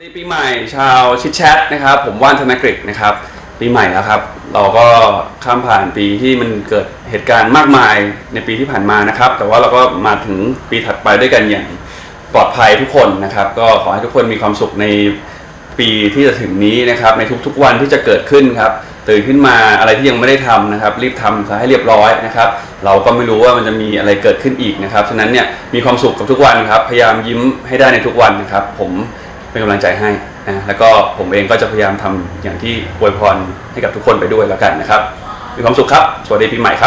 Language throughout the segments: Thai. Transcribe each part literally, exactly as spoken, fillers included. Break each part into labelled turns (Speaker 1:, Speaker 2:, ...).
Speaker 1: ในปีใหม่ชาวชิดแชทนะครับผมว่านธนกฤษนะครับปีใหม่แล้วครับเราก็ข้ามผ่านปีที่มันเกิดเหตุการณ์มากมายในปีที่ผ่านมานะครับแต่ว่าเราก็มาถึงปีถัดไปด้วยกันอย่างปลอดภัยทุกคนนะครับก็ขอให้ทุกคนมีความสุขในปีที่จะถึงนี้นะครับในทุกๆวันที่จะเกิดขึ้นครับตื่นขึ้นมาอะไรที่ยังไม่ได้ทำนะครับรีบทำซะให้เรียบร้อยนะครับเราก็ไม่รู้ว่ามันจะมีอะไรเกิดขึ้นอีกนะครับฉะนั้นเนี่ยมีความสุขกับทุกวันครับพยายามยิ้มให้ได้ในทุกวันนะครับผมเป็นกำลังใจให้นะแล้วก็ผมเองก็จะพยายามทำอย่างที่อวยพรให้กับทุกคนไปด้วยแล้วกันนะครับมีความสุขครับสวัสดีปีใหม่ครับ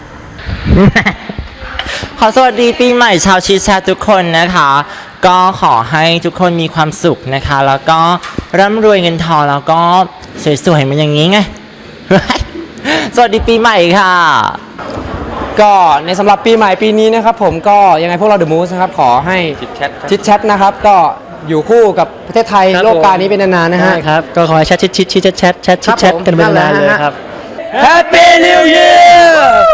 Speaker 2: ขอสวัสดีปีใหม่ชาวชิดแชททุกคนนะคะก็ขอให้ทุกคนมีความสุขนะคะแล้วก็ร่ำรวยเงินทองแล้วก็สวยๆเหมือนอย่างนี้ไง สวัสดีปีใหม่ค่ะ
Speaker 3: ก็ในสำหรับปีใหม่ปีนี้นะครับผมก็ยังไงพวกเราเดอะมูสนะครับขอให้ชิดแชทนะครับก็อยู่คู่กับประเทศไทยโลกกานี้เป็นนานๆนะฮะ
Speaker 4: ครับก็ขอให้แชทชิดชิดชิดแชทแชทชิดแชทกันเป็นนานเลยครับ
Speaker 3: Happy New Year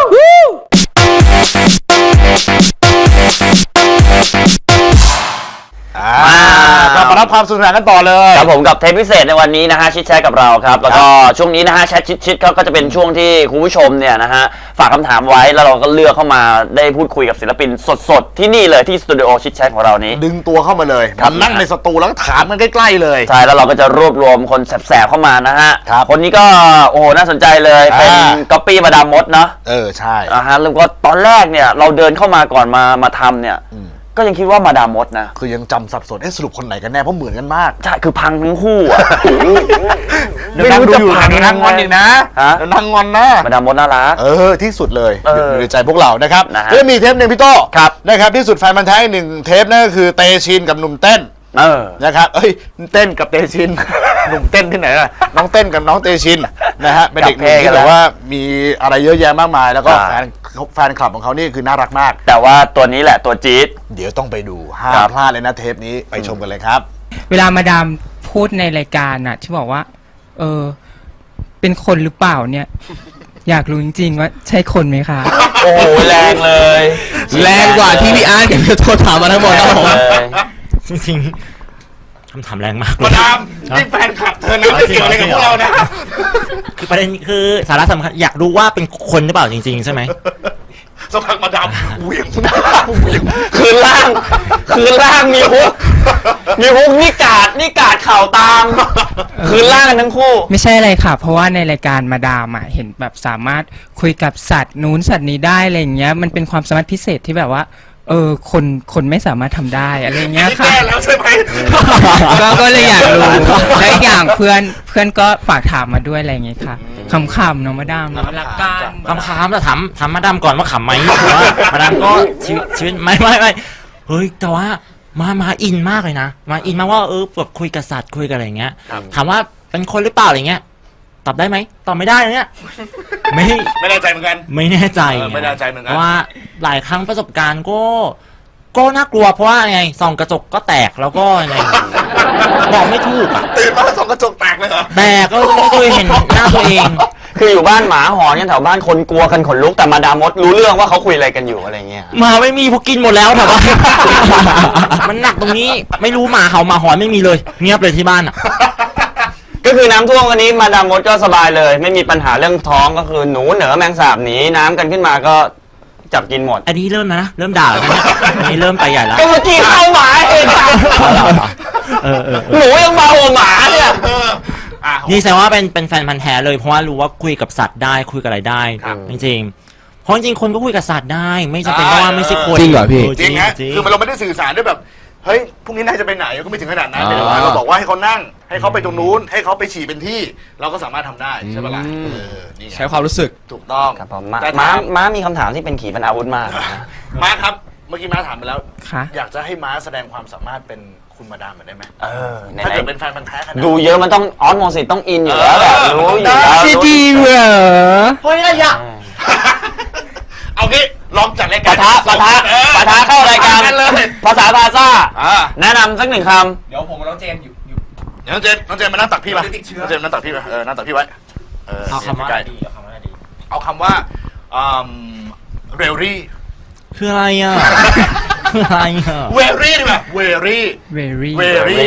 Speaker 5: ก็มารับความสนุกสนานกันต่อเลย
Speaker 6: ครับผมกับเทปพิเศษในวันนี้นะฮะชิดแชทกับเราครับแล้วก็ช่วงนี้นะฮะแชทชิดชิดเขาก็จะเป็นช่วงที่คุณผู้ชมเนี่ยนะฮะฝากคำถามไว้แล้วเราก็เลือกเข้ามาได้พูดคุยกับศิลปินสดๆที่นี่เลยที่สตูดิโอชิดแชทของเรานี้
Speaker 5: ดึงตัวเข้ามาเลยมานั่งในสตูแล้วก็ถามกันใกล้ๆเลย
Speaker 6: ใช่แล้วเราก็จะรวบรวมคนแสบๆเข้ามานะฮะคนนี้ก็โอ้โหน่าสนใจเลยเป็นก๊อปปี้มาดามมดเนาะ
Speaker 5: เออใช่
Speaker 6: อ่าฮะแล้วก็ตอนแรกเนี่ยเราเดินเข้ามาก่อนมามาทำเนี่ยก็ยังคิดว่ามาดามมดนะ
Speaker 5: คือยังจำสับสนเอ๊ะสรุปคนไหนกันแน่เพราะเหมือนกันมาก
Speaker 6: ใช่คือพังทั้งคู่อ่ะ
Speaker 5: ไม่รู้จะผ่านนางงอนอีกนะนางงอนนะ
Speaker 6: มาดามมดน่ารัก
Speaker 5: เออที่สุดเลยอยู่ในใจพวกเรานะครับแล้วมีเทปหนึ่งพี่โต้นะครับที่สุดแฟนมันแท้หนึ่งเทปนั่นก็คือเตชินกับหนุ่มเต้น
Speaker 6: เออ
Speaker 5: นะครับเอ้ยเต้นกับเตชินหนุ่มเต้นที่ไหนล่ะน้องเต้นกับน้องเตชินนะฮะเป็นเด็กหนุ่มที่แบบว่ามีอะไรเยอะแยะมากมายแล้วก็แฟนแฟนคลับของเขานี่คือน่ารักมาก
Speaker 6: แต่ว่าตัวนี้แหละตัวจี๊ด
Speaker 5: เดี๋ยวต้องไปดูห้ามพลาดเลยนะเทปนี้ไปชมกันเลยครับ
Speaker 7: เวลามาดามพูดในรายการน่ะที่บอกว่าเออเป็นคนหรือเปล่าเนี่ยอยากรู้จริงๆว่าใช่คนไหมคะ
Speaker 6: โอ้แรงเลย
Speaker 4: แรงกว่าที่พี่อาร์ตกับพี่โทษถามมาทั้งหมดครับผมจริงๆคำถามแรงมาก
Speaker 5: มาดามนี่แฟนคลับเธอนะเกี่ยวอะไรกับพวกเรานะ
Speaker 4: คือประเด็นคือสาระสำคัญอยากรู้ว่าเป็นคนหรือเปล่าจริงๆใช่ไหม
Speaker 5: สักพักมาดามเหวี่ยง
Speaker 6: คืนล่างคืนล่างมีฮุกมีฮุกนี่กาดนี่กาดเข่าตามคืนล่างทั้งคู่
Speaker 7: ไม่ใช่อะไรค่ะเพราะว่าในรายการมาดามอ่ะเห็นแบบสามารถคุยกับสัตว์นู้นสัตว์นี้ได้อะไรอย่างเงี้ยมันเป็นความสามารถพิเศษที่แบบว่าเออคนคนไม่สามารถทำได้อะไรเงี้ยค่ะ
Speaker 5: แก้แล้วใช่ไหม
Speaker 7: ก็ก็เลยอยากรู้และอย่างเพื่อนเพื่อนก็ฝากถามมาด้วยอะไรเงี้ยค่ะคำๆน้องมาดามน้องรักกัน
Speaker 4: คำๆแต่ถามถามมาดามก่อนว่าขำไหมเพราะว่ามาดามก็ชีวิตชีวิตไม่ไม่ไม่เฮ้ยแต่ว่ามามาอินมากเลยนะมาอินมากว่าเออแบบคุยกับสัตว์คุยกับอะไรเงี้ยถามว่าเป็นคนหรือเปล่าอะไรเงี้ยตอบได้ไหมตอบไม่ได้เนี่ย
Speaker 5: ไม่ไม่แน่ใจเหมือนกัน
Speaker 4: ไม่แน่ใจ
Speaker 5: ไม่แน่ใจเหมือนกัน
Speaker 4: เพราะว่าหลายครั้งประสบการณ์ก็ก็น่ากลัวเพราะว่าไงส่องกระจกก็แตกแล้วก็ไงบอกไม่ถูกอ่ะ
Speaker 5: ตื่นมาส่องกระจกแตกเลยเหรอ
Speaker 4: แตกก็ไม่เคยเห็นหน้าตัวเอง
Speaker 6: คืออยู่บ้านหมาหอนกันแถวบ้านคนกลัวกันขนลุกแต่มาดามมดรู้เรื่องว่าเขาคุยอะไรกันอยู่อะไรเงี้ย
Speaker 4: หมาไม่มีพวกกินหมดแล้วแถวบ้านมันหนักตรงนี้ไม่รู้หมาเห่าหมาหอนไม่มีเลยเงียบเลยที่บ้านอ่ะ
Speaker 6: ก็คือน้ำท่วมวันนี้มาดามมดก็สบายเลยไม่มีปัญหาเรื่องท้องก็คือหนูเหนือแมงสาบหนีน้ำกันขึ้นมาก็จับกินหมด
Speaker 4: อันนี้เริ่มนะเริ่มด่าแล้วนะอันนี้เริ่มไปใหญ่แล้ว
Speaker 6: ก็เมื่อกี้เข้าหมาเองหนูยังมาหัวหมาเนี่ย
Speaker 4: นี่แสดงว่าเป็นเป็นแฟนพันธุ์แท้เลยเพราะว่ารู้ว่าคุยกับสัตว์ได้คุยกับอะไรได้จริงๆเพราะจริงคนก็คุยกับสัตว์ได้ไม่จำเป็นว่าไม่ใช่คน
Speaker 5: จริงเหรอพี่จริงฮะคือมันเราไม่ได้สื่อสารด้วยแบบเฮ้ยพรุ่งนี้นายจะไปไหนก็ไม่ถึงขนาดนั้นแต่ว่าเราบอกว่าให้เขานั่งให้เขาไปตรงนู้นให้เขาไปฉี่เป็นที่เราก็สามารถทำได้ใช่ไหมล่ะ
Speaker 3: ใช้ความรู้สึก
Speaker 5: ถูกต้อง
Speaker 6: ครับผมม้าม้ามีคำถามที่เป็นขีปนาวุธมาก
Speaker 5: ม้าครับเมื่อกี้ม้าถามไปแล้วอยากจะให้ม้าแสดงความสามารถเป็นคุณมาดามเหมือนได้ไหม
Speaker 6: เออ
Speaker 5: ถ้าเกิดเป็นแฟนพันธุ์แท้ขนาด
Speaker 6: ดูเยอะมันต้องออสโมซิสต้องอินอยู่แล้วแบบรู้อยู่แล้ว
Speaker 3: จริงเหรอ
Speaker 5: เฮ้ยอะไรอ่ะเอางี้ลองจัดรายการ
Speaker 6: ปะทะปะทะปะทะเข้ารายการภาษาพาซ่าแนะนำสักหนึ่งค
Speaker 3: ำเดี๋ยวผมกับน้องเจนอยู่อยู่
Speaker 5: น้องเจนน้องเจนมานั่งตักพี่มาน้องเจนนั่งตักพี่มาเออนั่งตักพี่ไว้
Speaker 4: เอาคำว่าดีเอาคำว่าดี
Speaker 5: เอาคำว่าเรลลี่
Speaker 4: คืออะไรอ่ะคืออะไรอ่ะ
Speaker 5: เวรี่ดีป่ะเวรี่
Speaker 7: เวรี่
Speaker 5: เวรี่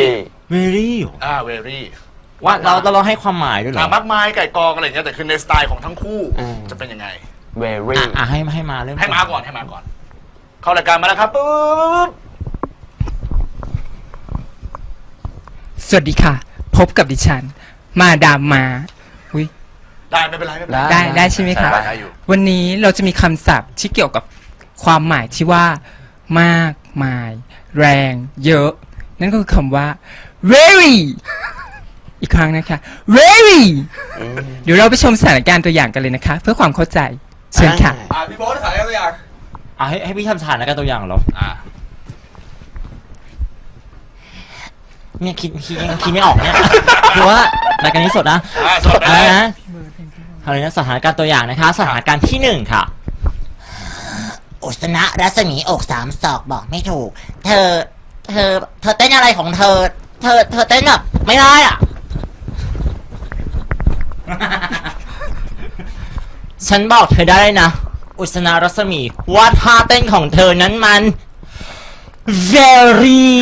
Speaker 4: very
Speaker 5: อ่า very
Speaker 4: ว่าเราเราเราให้ความหมายด้วยเหร
Speaker 5: อ่า
Speaker 4: อ
Speaker 5: มากมายไก่กองอะไรอย่างเงี้ยแต่คือในสไตล์ของทั้งคู่
Speaker 6: อืม
Speaker 5: จะเป็นยังไง
Speaker 6: very
Speaker 4: อ่ะอ่ะให้ให้มาเริ่ม
Speaker 5: ให้มาก่อนให้มาก่อน เข้ารายการมาแล้วครับปุ๊บ
Speaker 7: สวัสดีค่ะ พบกับดิฉัน มาดามมาอุ้ย
Speaker 5: ได้ไม่เป็นไรไม่เป็นไร
Speaker 7: ได้ได้ใช่ไหมคะ
Speaker 5: ได้ได้อยู่
Speaker 7: วันนี้เราจะมีคำศัพท์ที่เกี่ยวกับความหมายที่ว่า มากมาย แรง เยอะ นั่นก็คือคำว่า very อีกครั้งนะคะ very เดี๋ยวเราไปชมสถานการณ์ตัวอย่างกันเลยนะคะ เพื่อความเข้าใจ เชิญค่ะ
Speaker 5: อ่าพี่โบ๊ทถ่ายตัวอย่าง
Speaker 4: อ่ะให้ให้พี่ทำสถานการณ์ตัวอย่างเหรอ
Speaker 5: อ่า
Speaker 4: เนี่ยคิดคิดยังคิดไม่ออกเนี่ย คือว่ารายการนี้สดนะ
Speaker 5: อ่าสด
Speaker 4: อะไร
Speaker 5: นะ
Speaker 4: นะอะไรนะสถานการณ์ตัวอย่างนะคะ สถานการณ์ที่หนึ่งค่ะ
Speaker 8: อุศนะรัศมีอกสามศอกบอกไม่ถูก เธอ เธอ เธอเต้นอะไรของเธอ เธอ เธอเต้นแบบไม่ได้อ่ะ
Speaker 4: ฉันบอกเธอได้เลยนะ อุศนารัศมีว่าท่าเต้นของเธอนั้นมัน very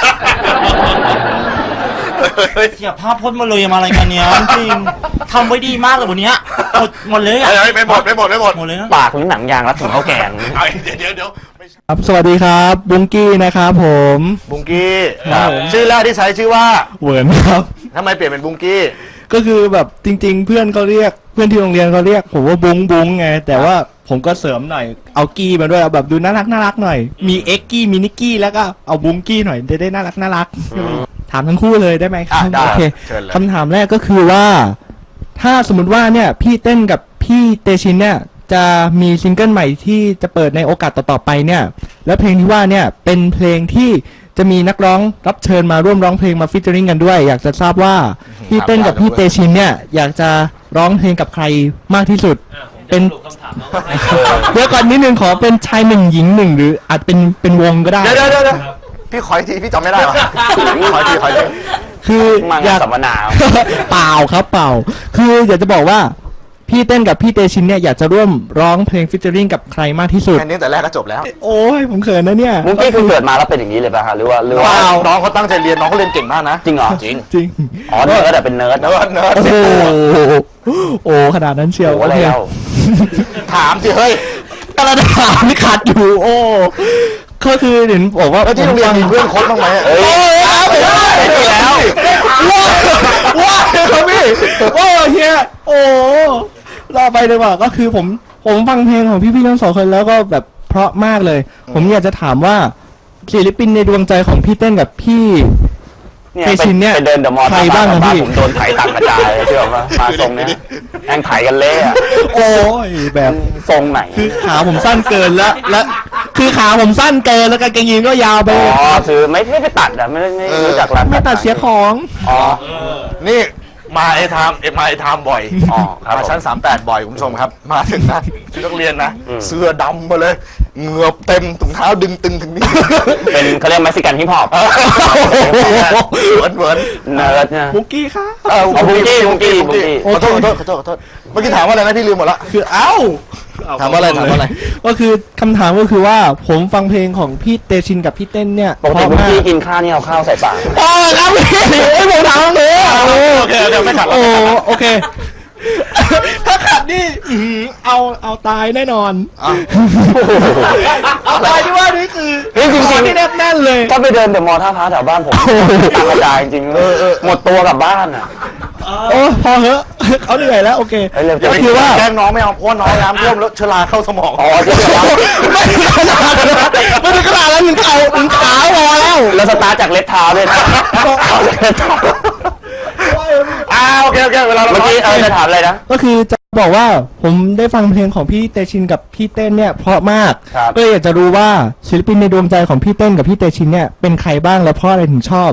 Speaker 4: เสียภาพพจน์มาเลยมาอะไรกันเนี้ยจริงทำไว้ดีมากเลยวันเนี้ยหมดหมดเลยอ่ะ
Speaker 5: เฮ้ยไม่หมดไม่หมดไม่หมด
Speaker 4: หมดเลยนะ
Speaker 6: ปากหรือหนังยางรัดถุงข้าวแกง
Speaker 5: เอาเดี๋ยวเดี๋ยวเดี๋ยวไม่ใช่
Speaker 9: ครับสวัสดีครับบุงกี้นะครับผม
Speaker 5: บุงกี้
Speaker 9: ครับผม
Speaker 5: ชื่อแรกที่ใช้ชื่อว่า
Speaker 9: เหวินครับ
Speaker 5: ทำไมเปลี่ยนเป็นบุงกี้
Speaker 9: ก็คือแบบจริง ๆ เพื่อนเขาเรียกเพื่อนที่โรงเรียนเขาเรียกผมว่าบุงบุงไงแต่ว่าผมก็เสริมหน่อยเอากี้มาด้วยเอาแบบดูน่ารักน่ารักหน่อยมีเอ็กกี้มีนิกกี้แล้วก็เอาบุงกี้หน่อยจะได้น่ารักน่ารักถามทั้งคู่เลยได้ไหมครับ
Speaker 5: อ่ะได้
Speaker 9: โอเค
Speaker 5: เชิญเลย
Speaker 9: คำถามแรกก็คือว่า ถ้าสมมติว่าเนี่ยพี่เต้นกับพี่เตชินเนี่ยจะมีซิงเกิลใหม่ที่จะเปิดในโอกาสต่อๆไปเนี่ยแล้วเพลงที่ว่าเนี่ยเป็นเพลงที่จะมีนักร้องรับเชิญมาร่วมร้องเพลงมาฟิชเจอริงกันด้วย อยากจะทราบว่าพี่เต้นกับพี่เตชินเนี่ยอยากจะร้องเพลงกับใครมากที่สุด เป็นเดี๋ยวก่อนนิดนึงขอเป็นชายหนึ่งหญิงหนึ่งหรืออาจเป็นเป็นวงก็ได้
Speaker 5: เดี๋ยวเดี๋ยวเดี๋ยวพี่ขออีกทีพี่จำไม่ได้ว่ะขออีกทีขออีกที
Speaker 9: คือ
Speaker 6: มัง
Speaker 9: อยาก
Speaker 6: สัมมนา
Speaker 9: เปล่าครับเปล่า คืออยากจะบอกว่าพี่เต้นกับพี่เตชินเนี่ยอยากจะร่วมร้องเพลงฟิชเจอริงกับใครมากที่สุด
Speaker 5: แค่นี้แต่แรกก็จบแล้ว
Speaker 9: โอ้ยผมเขินนะเนี่ย
Speaker 6: มุ้งกี้คือเกิดมาแล้วเป็นอย่างนี้เลยป่ะฮะหรือว่าหรือ
Speaker 5: น้
Speaker 6: ว่า
Speaker 5: องน้องเขาตั้งใจเรียนน้องเขาเรียนเก่งมากนะ
Speaker 6: จริงเหรอ
Speaker 5: จริง
Speaker 9: จริง
Speaker 6: อ๋อเนิร์ดแต่เป็นเนิร์ด
Speaker 5: เนิร์ดเนิร์ด
Speaker 9: โอ้โหโอ้ขนาดนั้นเชียว
Speaker 6: โอ้อะไร
Speaker 9: โอเค
Speaker 6: เล่า
Speaker 5: ถามสิเฮ้ย
Speaker 9: กระดาษนี่ขาดอยู่ โอ้ก็คือเห็นบอกว่า
Speaker 5: แล้วที่โรงเรียนมีเพื่อนโค้ชบ้างไหมเอ้ย
Speaker 9: โอ้ยเอาไปได้
Speaker 5: เห็นอยู่แล้ว
Speaker 9: ว้าว้าครับพี่โอ้เฮียโอ้รอไปเลยว่ะก็คือผมผมฟังเพลงของพี่ๆทั้งสองคนแล้วก็แบบเพราะมากเลย ผมอยากจะถามว่าศิลปินในดวงใจของพี่เต้นกับพี่
Speaker 6: เนี่ย
Speaker 9: เตชินเนี่ย
Speaker 6: ไปเดินเดอะมอลล์
Speaker 9: ใครบ้างอะพี่
Speaker 6: ผมโดนไถตังกระจายเลยเชื่อป่ะมาทรงเนี้ยแม่งไถกันเละอะ
Speaker 9: โอ้ยแบบ
Speaker 6: ทรงไหน
Speaker 9: คือขาผมสั้นเกินแล้วและคือขาผมสั้นเกินแล้วกางเกงยีนก็ยาวไป
Speaker 6: อ๋อคือไม่ไม่ไปตัดอะไม่ไม่ไม่รู้จักร้าน
Speaker 9: ไม่ตัดเสียของ
Speaker 6: อ๋อ
Speaker 5: นี่มาไอ้ไทม์เอ็มาไอ้ไทม์บ่อย
Speaker 6: อ๋อครับ
Speaker 5: มาชั้น
Speaker 6: ผม
Speaker 5: สามแปดบ่อยคุณผู้ชมครับ มาถึงนะชุดนักเรียนนะ
Speaker 6: อืม
Speaker 5: เสื้อดำมาเลยเหงือบเต็มถุงเท้าดึงตึงถึงนี่
Speaker 6: เป็นเขาเรียกเม็กซิกันฮิปฮอป
Speaker 5: เหมือนเหมือน
Speaker 6: เนิร์ดเนี่ย
Speaker 9: บุกกี้ค่ะ
Speaker 5: เออ
Speaker 6: เอาบุ้งกี้บุ้งกี้บุ้งกี้
Speaker 5: ขอโทษขอโทษขอโทษขอโทษเมื่อกี้ถามว่าอะไรนะพี่ลืมหมดละ
Speaker 9: คือเอ้า
Speaker 5: ถามว่าอะไรถามว่าอะไร
Speaker 9: ก็คือคำถามก็คือว่าผมฟังเพลงของพี่เตชินกับพี่เต้นเนี่ย
Speaker 6: ปกติบุ้งกี้กินข้าวนี่เอาข้าวใส่ปาก
Speaker 9: อ๋อครับพี่ไอ้ผมถามเลย
Speaker 5: โอเคเดี๋ยวไม่ขัดแล้ว
Speaker 9: โอ้
Speaker 5: ไม่ขัดแล้ว
Speaker 9: โอเค ถ้าขัดนี่อื้อหือเอาเอาตายแน่นอน
Speaker 5: อ้าว
Speaker 9: เอาตายที่ว่านี่คือ
Speaker 6: เฮ้ยจริงๆ
Speaker 9: คอที่แนบแน่นเลย
Speaker 6: ถ้าไปเดินเดอะมอลล์ท่าพระแถวบ้านผมตังกระจายจริงๆหมดตัวกลับบ้านอ่ะ
Speaker 9: โอ้พอเหอะเขาเหนื่อยแล้วโอเค
Speaker 6: เฮ้ยเร็ว
Speaker 5: อย่า
Speaker 9: ก็
Speaker 5: ไป
Speaker 9: คือว่า
Speaker 5: แกล้งน้องไม่เอาเพราะว่าน้องน้ำท่วมแล้วเชื้อราเข้าสมอง
Speaker 6: อ๋อเชื่อแล้ว
Speaker 9: ไม่ถึงขนาดนั้นไม่ถึงขนาดนั้นถึงเข่าถึงขาพอแล้ว
Speaker 6: แล้วสตาร์ทจากเล็บเท้าด้วยนะเอาจากเล็บเท้า
Speaker 5: อ่าโอเคโอเคเวลาเรา
Speaker 6: เมื่อกี้เออจะถามอะไรนะ
Speaker 9: ก็คือจะบอกว่าผมได้ฟังเพลงของพี่เตชินกับพี่เต้นเนี่ยเพราะมาก
Speaker 6: ครับ
Speaker 9: ก็เลยอยากจะรู้ว่าศิลปินในดวงใจของพี่เต้นกับพี่เตชินเนี่ยเป็นใครบ้างและเพราะอะไรถึงชอบ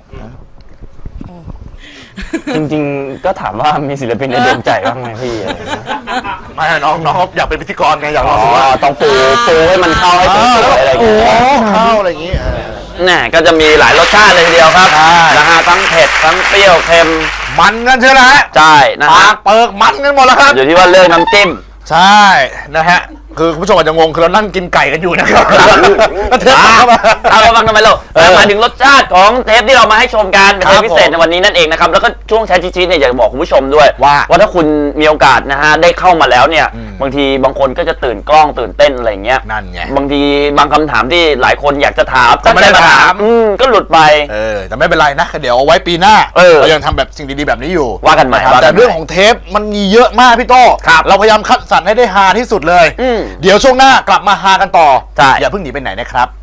Speaker 6: จริงๆ ก็ถามว่ามีศิลปินในดวงใจบ้างไหมพี่อะไรอย่างเงี้ย
Speaker 5: ไม่น้องน้องอยากเป็นพิธีกรไงอยากล
Speaker 6: อ๋
Speaker 5: อง
Speaker 6: อ
Speaker 5: ดูว่า
Speaker 6: ต้องปูปูให้มันเข้าให้สวยๆอะไรอย่างเงี้ย
Speaker 5: เข้าอะไรอย่างงี้เออ
Speaker 6: น่ะก็จะมีหลายรสชาติเลยทีเดียวครับ
Speaker 5: ใช่
Speaker 6: นะฮะทั้งเผ็ดทั้งเปรี้ยวเค็ม
Speaker 5: มันกันใช่ไหมฮะ
Speaker 6: ใช่นะ
Speaker 5: ปา
Speaker 6: ฮะ
Speaker 5: กเปิกมันกันหมดแล้วครับ
Speaker 6: อยู่ที่ว่าเลือกน้ำจิ้ม
Speaker 5: ใช่นะฮะคือคุณผู้ชมอาจจะงงคือเรานั่งกินไก่กันอยู่นะครับแล้วเทปเข้ามา
Speaker 6: เอามาฟังทำไมเรามาถึงรสชาติของเทปที่เรามาให้ชมกันเป็นเทปพิเศษในวันนี้นั่นเองนะครับแล้วก็ช่วงแชร์ชิดๆเนี่ยอยากจะบอกคุณผู้ชมด้วย
Speaker 5: ว่า
Speaker 6: ว่าถ้าคุณมีโอกาสนะฮะได้เข้ามาแล้วเนี่ยบางทีบางคนก็จะตื่นกล้องตื่นเต้นอะไรเงี้ย
Speaker 5: นั่นไง
Speaker 6: บางทีบางคำถามที่หลายคนอยากจะถาม
Speaker 5: แต่ไม่ได้
Speaker 6: ตั้งใจ
Speaker 5: ถาม
Speaker 6: อืมก็หลุดไป
Speaker 5: เออแต่ไม่เป็นไรนะเดี๋ยวเอาไว้ปีหน้า
Speaker 6: เออ
Speaker 5: เรายังทำแบบสิ่งดีๆแบบนี้อยู่
Speaker 6: ว่ากันใหม่
Speaker 5: ะครับ
Speaker 6: ว่ากันใหม่
Speaker 5: แต่เรื่องของเทปมันมีเยอะมากพี่โต้
Speaker 6: ครับ
Speaker 5: เราพยายามคัดสรรให้ได้ฮาที่สุดเลย
Speaker 6: อืม
Speaker 5: เดี๋ยวช่วงหน้ากลับมาฮากันต่อ
Speaker 6: ใช่
Speaker 5: อย่าเพิ่งหนีไปไหนนะครับ